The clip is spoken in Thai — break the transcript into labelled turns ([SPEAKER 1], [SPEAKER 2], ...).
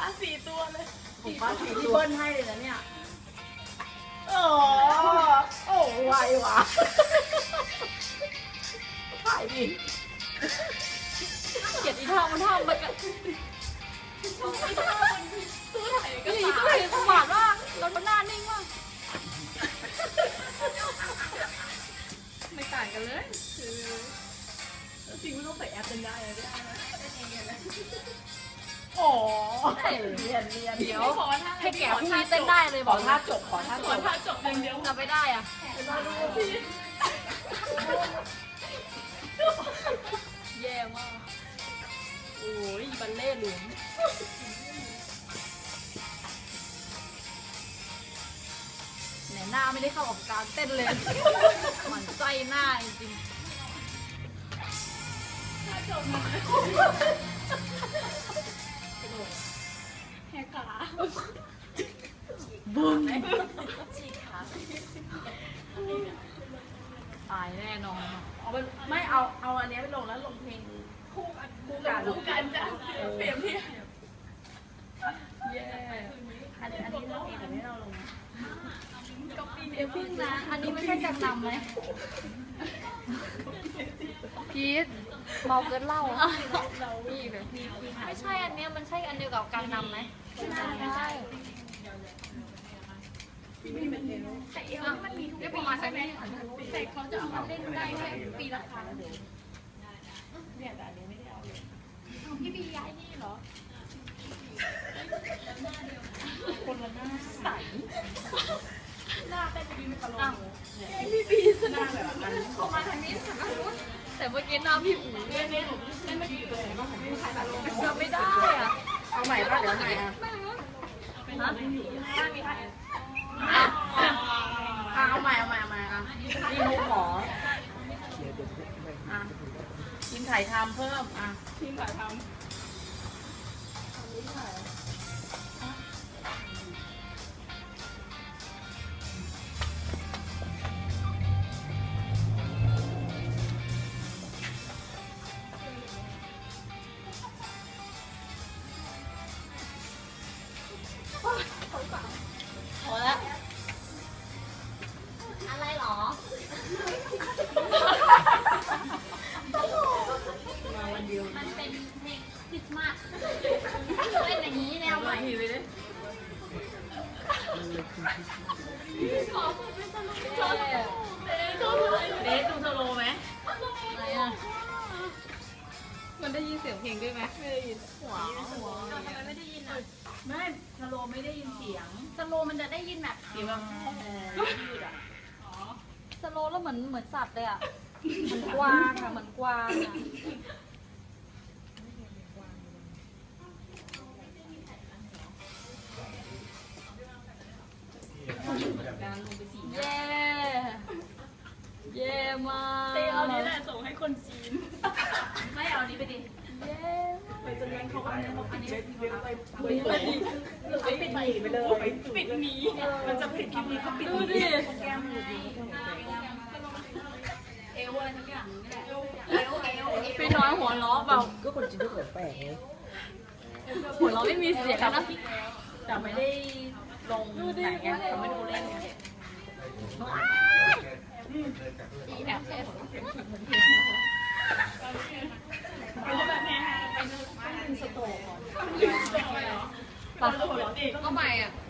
[SPEAKER 1] 4 ตัวเลย
[SPEAKER 2] ของป้า4ที่เบิ้ลให้เลยนะเนี่ย
[SPEAKER 1] โอ้ไวว่ะถ่ายดิ
[SPEAKER 2] เกลียดอีท่ามันทำไปกัน
[SPEAKER 1] ตู้ถ่ายก็
[SPEAKER 2] นี่ก็เห็นสมาร์ทมากเราหน้านิ่งมาก
[SPEAKER 1] ไม่ต่างกันเลยคือจริงไม่ต้องใส่แอปเป็นได้เลยโอ้เรียนเดี๋ยว
[SPEAKER 2] ให้แก่พรุ่งนี้เต้นได้เลยบอก
[SPEAKER 1] ท่าจบขอท่าจบอย่างเดียว
[SPEAKER 2] จะไม่ได้อ่ะแย่มาก
[SPEAKER 1] โอ้ยบัลเล่หลวง
[SPEAKER 2] เนี่ยหน้าไม่ได้เข้ากับการเต้นเลยหมันไส้หน้าจริง
[SPEAKER 1] ท่าจบมาแหกขา
[SPEAKER 2] บึ้มตายแน่นอน
[SPEAKER 1] ไม่เอาอันนี้ไปลงแล้วลงเพลงคู่กันจ้ะเปลี่ยนพี่
[SPEAKER 2] เย้
[SPEAKER 1] อันนี้เราเองแต่ไม่เราลง
[SPEAKER 2] เดี๋ยวพึ่งนะอันนี้ไม่ใช่กังนำไหมพีทเมาเกินเหล้าพี่แบบไม่ใช่อันนี้มันใช่อันเดียวกับกังนำไหมใช่
[SPEAKER 1] แต่เอวมันมีทุกปีใช่ไหมแต่เขาจะเอามาเล่นได้แค่ปีละครั้งเนี่ยแต่อันนี้ไม่ได้เอาเลยพี่บีย้ายนี่เหรอคนละหน้าใสหน้าเป็นบีตลอดพี่บีหน้าแบบนั้นเขามาทางนี้
[SPEAKER 2] แต่เมื่อกี้หน้าพี่อู๋
[SPEAKER 1] เนี่ยไม่ดีเลยต้องหันไปถ่ายตลอด
[SPEAKER 2] จำไม่ได้อ่ะ
[SPEAKER 1] เอาใหม่ป่ะเดี๋ยวใหม่อ่ะมีใครเอาใหม่อ่ะนี่มุกหมอทีมถ่ายทำเพิ่มทีมถ่ายทำ
[SPEAKER 2] พอแล้วอะไรหรอ
[SPEAKER 1] มาวันเดียว
[SPEAKER 2] มันเป็นเพลงคริสต์มาสเล่นอย่างนี้แนวใหม่
[SPEAKER 1] ไปเลยขอพูดเป็นสโลเดทดูสโลไหม
[SPEAKER 2] อะไรอ่ะมันได้ยินเสียงเพลงด้วยไหม
[SPEAKER 1] ไม่ได้ยิน
[SPEAKER 2] หัวทำไมไม่ได้ยินอ่ะ
[SPEAKER 1] ไม่สโลไม่ได้ยินเสียง
[SPEAKER 2] สโลมันจะได้ยินแบบ
[SPEAKER 1] เสียงแบบยืดอ่ะ
[SPEAKER 2] สโลแล้วเหมือนสัตว์เลยอ่ะเหมือนกวางอ่ะเหมือนกวางอ่ะเย้เย้มาก
[SPEAKER 1] เอานี้แหละส่งให้คนจีน
[SPEAKER 2] ไม่เอานี้ไปดิเย้
[SPEAKER 1] ไปจนงั้นเขาอันนี้ปิดหนีไปเลยปิดหนีมันจะปิดคลิปนี้ก็ปิดหนีแก้มหนีเอวอะไรสักอย่างนี่แหละ
[SPEAKER 2] พี่น้อยหัวล้อเปล่า
[SPEAKER 3] ก็คนจีนก็หัวแปลกไง
[SPEAKER 2] หัวล้อไม่มีเสียงนะ
[SPEAKER 1] แต่ไม่ได้ลงไหนไงเขาไม่ดูเล่นไง
[SPEAKER 2] แอบเทส
[SPEAKER 1] ไปสโตก่อน
[SPEAKER 2] ก็ใหม่อ่ะ